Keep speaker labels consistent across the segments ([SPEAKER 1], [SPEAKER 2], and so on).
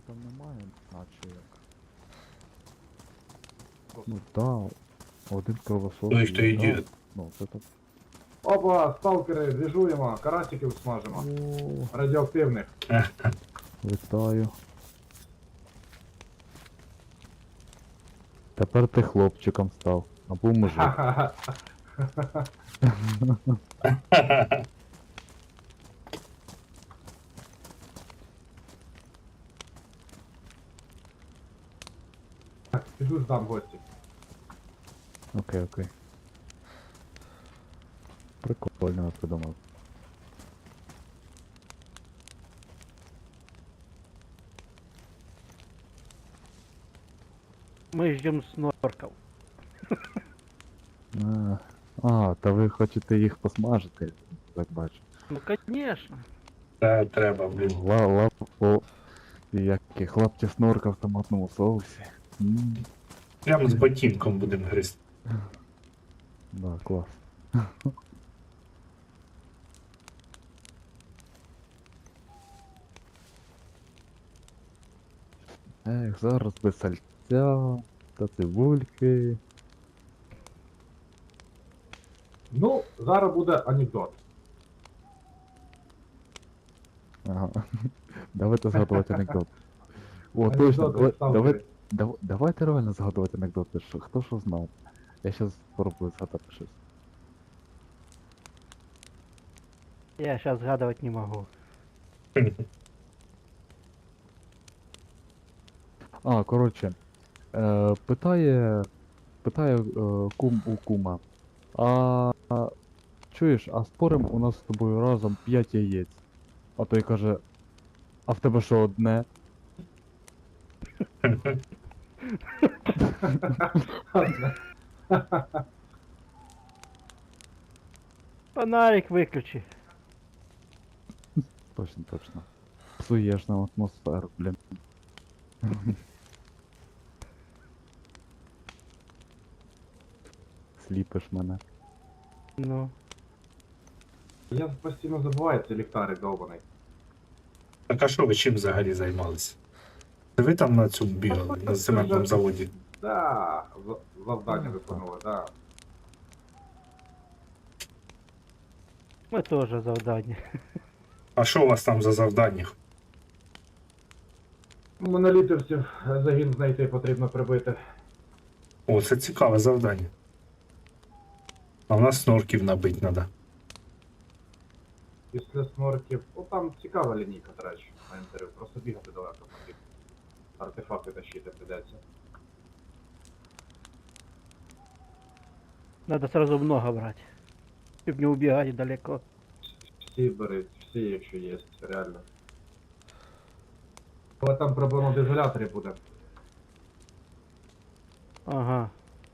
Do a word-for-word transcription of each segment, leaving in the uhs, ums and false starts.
[SPEAKER 1] там немає, наче як. Ну так, один кровосос
[SPEAKER 2] Той, хто
[SPEAKER 1] є,
[SPEAKER 2] йде.
[SPEAKER 1] да. Ну, це так.
[SPEAKER 3] Опа, сталкери, двіжуємо, карасиків смажимо.
[SPEAKER 1] О,
[SPEAKER 3] Радіоактивних.
[SPEAKER 1] вітаю. Тепер ти хлопчиком став. Або мужик.
[SPEAKER 3] Ха-ха-ха. Так, піду здам гості.
[SPEAKER 1] Окей, окей. Прикольно я придумав.
[SPEAKER 4] Мы ждем снорков.
[SPEAKER 1] А, а, та ви хочете їх посмажити, так бачу.
[SPEAKER 4] Ну конечно.
[SPEAKER 2] Та треба, блін.
[SPEAKER 1] Ла лап по які хлопці снорка в томатному соусі. М,
[SPEAKER 2] Прямо з ботинком будемо гризти.
[SPEAKER 1] да, клас. Ех, зараз без сальця та цибульки.
[SPEAKER 3] Ну, зараз буде анекдот.
[SPEAKER 1] Ага. Давайте згадувати анекдот. О,
[SPEAKER 3] Анекдоти
[SPEAKER 1] точно, давай,
[SPEAKER 3] сталкери.
[SPEAKER 1] давай, дав- давайте реально згадувати анекдоти, що, хто що знав. Я щас спробую згадати щось.
[SPEAKER 4] Я сейчас сгадывать не могу.
[SPEAKER 1] А, коротше, е, питає, питає е, кум у кума. А чуєш, а спорим у нас з тобою разом п'ять яєць. А той каже, а в тебе що одне?
[SPEAKER 4] Фонарик выключи.
[SPEAKER 1] Точно, точно. Псуєш нам атмосферу, блін. Сліпиш мене.
[SPEAKER 4] Ну.
[SPEAKER 3] Я постійно забуваю цей ліхтарик довбаний.
[SPEAKER 2] Так а що ви чим взагалі займалися? Це ви там на цьому бігали, на цементному заводі?
[SPEAKER 3] Да, за- завдання виконували, да.
[SPEAKER 4] Мы тоже завдание.
[SPEAKER 2] А що у вас там за завдання?
[SPEAKER 3] Монолітівців загін знайти потрібно прибити.
[SPEAKER 2] О, це цікаве завдання. А в нас снорків набить треба.
[SPEAKER 3] Після снорків. О, там цікава лінійка, до речі, на інтерв'ю. Просто бігати далеко потрібно. Артефакти тащити придеться.
[SPEAKER 4] Надо сразу много брать. Чтобы не убегать далеко.
[SPEAKER 3] Всі бери, всі, якщо є, реально. Але там проблема в ізоляторі буде.
[SPEAKER 4] Ага.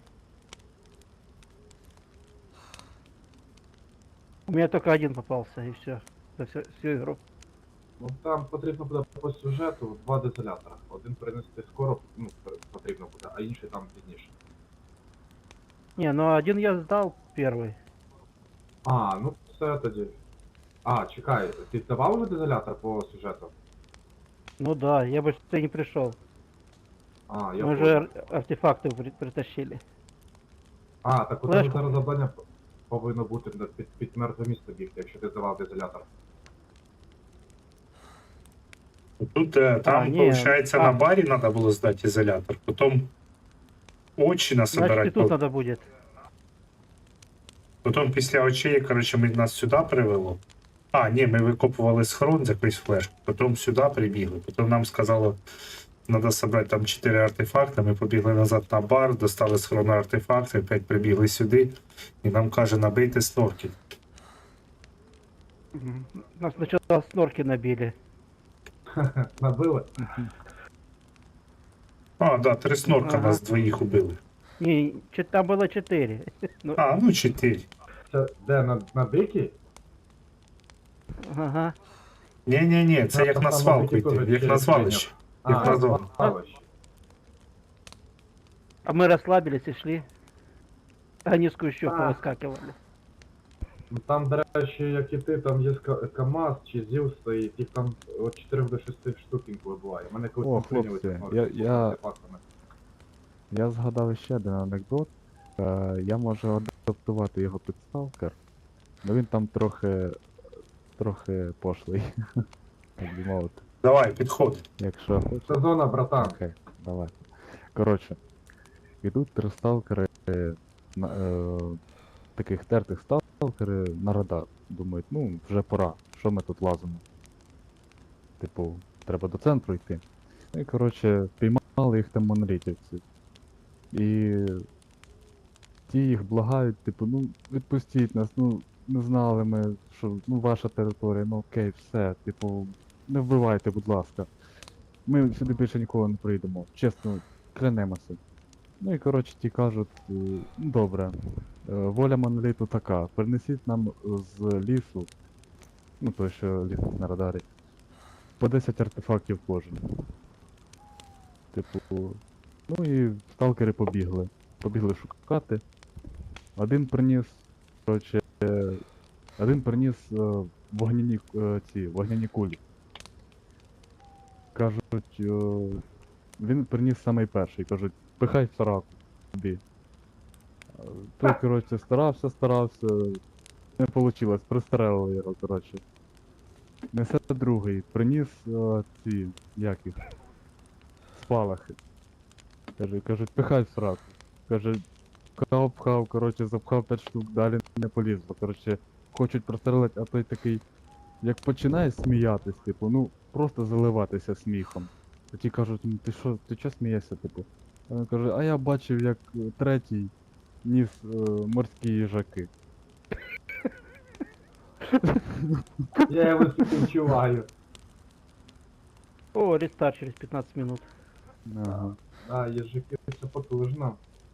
[SPEAKER 4] У меня только один попался и все. За всю, всю игру.
[SPEAKER 3] Ну там потрібно буде по сюжету два дезолятора. Один принести скоро, ну, пр- потрібно буде, а інший там пізніше.
[SPEAKER 4] Не, ну один я сдал первый.
[SPEAKER 3] А, ну все тоді. А, чекай, ти давав вже дезолятор по сюжету?
[SPEAKER 4] Ну да, я бы ты не пришел.
[SPEAKER 3] А, я
[SPEAKER 4] Мы
[SPEAKER 3] понял.
[SPEAKER 4] же ар- артефакты при- притащили.
[SPEAKER 3] А, так у тебе
[SPEAKER 4] Флешку.
[SPEAKER 3] зараз завдання п- повинно бути на- під, під мертве місто бігти, якщо ти здавав дезолятор.
[SPEAKER 2] Тут е, там,
[SPEAKER 4] А, ні,
[SPEAKER 2] виходить,
[SPEAKER 4] а.
[SPEAKER 2] на барі треба було здати ізолятор, потім очі
[SPEAKER 4] Значит, и
[SPEAKER 2] насобирати.
[SPEAKER 4] тут надо будет.
[SPEAKER 2] Потім після очей, коротше, ми нас сюди привело. А, ні, ми викопували схрон за якусь флешку, потім сюди прибігли. Потім нам сказало, треба зібрати там чотири артефакти. Ми побігли назад на бар, достали схрон артефакти, опять прибігли сюди, і нам каже, набийте снорки.
[SPEAKER 4] Мгм. Нас сначала снорки набили.
[SPEAKER 3] Набили?
[SPEAKER 2] А, да, три снорка
[SPEAKER 4] Ага.
[SPEAKER 2] нас двоїх убили.
[SPEAKER 4] Не, че- там было четыре. Ну,
[SPEAKER 2] А, ну чотири.
[SPEAKER 3] Це де, на, на дикі?
[SPEAKER 4] ага.
[SPEAKER 2] Ні-ні-ні, це
[SPEAKER 3] Там-
[SPEAKER 2] як
[SPEAKER 3] там
[SPEAKER 2] на
[SPEAKER 3] на
[SPEAKER 2] свалку
[SPEAKER 3] дикі
[SPEAKER 2] йти,
[SPEAKER 3] теж
[SPEAKER 2] як
[SPEAKER 3] через
[SPEAKER 2] на звалище.
[SPEAKER 3] А,
[SPEAKER 2] Як на зону.
[SPEAKER 3] звалище.
[SPEAKER 4] А мы расслабились и шли. Они с кущов
[SPEAKER 3] А.
[SPEAKER 4] повыскакивали.
[SPEAKER 3] Ну, там, до речі, як і ти, там є ска- КАМАЗ чи ЗІЛ стоїть, їх там від чотирьох до шести штук інколи буває. Мене колись
[SPEAKER 1] О,
[SPEAKER 3] там прийняли
[SPEAKER 1] хлопці,
[SPEAKER 3] цих
[SPEAKER 1] я-
[SPEAKER 3] норків з
[SPEAKER 1] я-
[SPEAKER 3] артефактами.
[SPEAKER 1] Я згадав ще один анекдот. Е, я можу адаптувати його під сталкер, але він там трохи. трохи пошлий. Так би мовити.
[SPEAKER 2] Давай, підходь.
[SPEAKER 1] Якщо хочеш.
[SPEAKER 3] Це зона, братан.
[SPEAKER 1] Окей, давай. Коротше, ідуть три сталкери, е, на, е, таких тертих сталкери на радар. Думають, ну, вже пора, що ми тут лазимо. Типу, треба до центру йти. Ну і коротше, піймали їх там монолітівці. І ті їх благають, типу, ну відпустіть нас, ну не знали ми, що ну ваша територія, ну окей, все, типу, не вбивайте, будь ласка. Ми сюди більше ніколи не прийдемо. Чесно, клянемося. Ну і коротше ті кажуть, е, ну добре, е, воля моноліту така, принесіть нам з лісу, ну той, що ліс на радарі, по десять артефактів кожен. Типу, ну і сталкери побігли. Побігли шукати. Один приніс, коротше, е, один приніс е, вогняні, е, ці, вогняні кулі. Кажуть, е, він приніс самий перший, кажуть, пихай в сараку собі. Е, Той, коротше, старався, старався, не вийшло, пристрелили його, коротше. Несе другий, приніс е, ці, як їх, спалахи. Каже, кажуть, пихай в сраку. Каже, пхав, пхав, коротше, запхав п'ять штук, далі не полізло. Коротше, хочуть прострелити, а той такий, як починає сміятись, типу, ну, просто заливатися сміхом. А ті кажуть, ну ти що, ти чого смієшся, типу? А він каже, а я бачив, як е, третій ніс е, морські їжаки.
[SPEAKER 3] Я його співчуваю.
[SPEAKER 4] О, рестарт через пятнадцать минут.
[SPEAKER 1] Ага.
[SPEAKER 3] А, їжаки це потужно.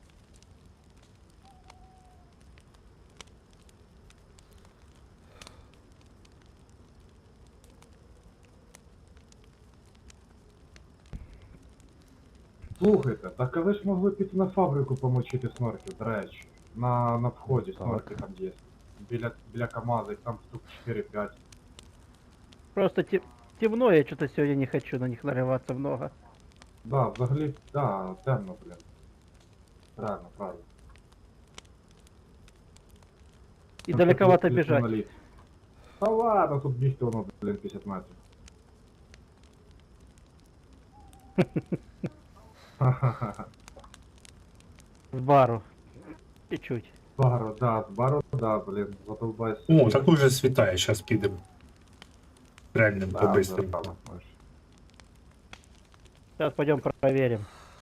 [SPEAKER 3] Слухайте, так а ви ж могли піти на фабрику помочити снорків, до речі. На, на вході
[SPEAKER 1] Так.
[SPEAKER 3] снорки там є. Біля, біля КамАЗа, їх там штук чотири-п'ять.
[SPEAKER 4] Просто те- темно, я что-то сегодня не хочу на них нарываться много.
[SPEAKER 3] Да, взагалі, да, темно, блін. Правильно, правильно.
[SPEAKER 4] И
[SPEAKER 3] Там
[SPEAKER 4] далековато
[SPEAKER 3] ще плюс
[SPEAKER 4] бежать.
[SPEAKER 3] моноліт. Та ладно, тут бігти воно, блін, п'ятдесят метрів. Ха-ха-ха.
[SPEAKER 4] С бару. Чуть-чуть.
[SPEAKER 3] Баро, да, з баро, да, блін, задолбайся.
[SPEAKER 2] О, так уже світає, зараз підемо. Реальним
[SPEAKER 3] Да,
[SPEAKER 2] по-бистрому.
[SPEAKER 3] да, да.
[SPEAKER 4] Сейчас пойдем проверим.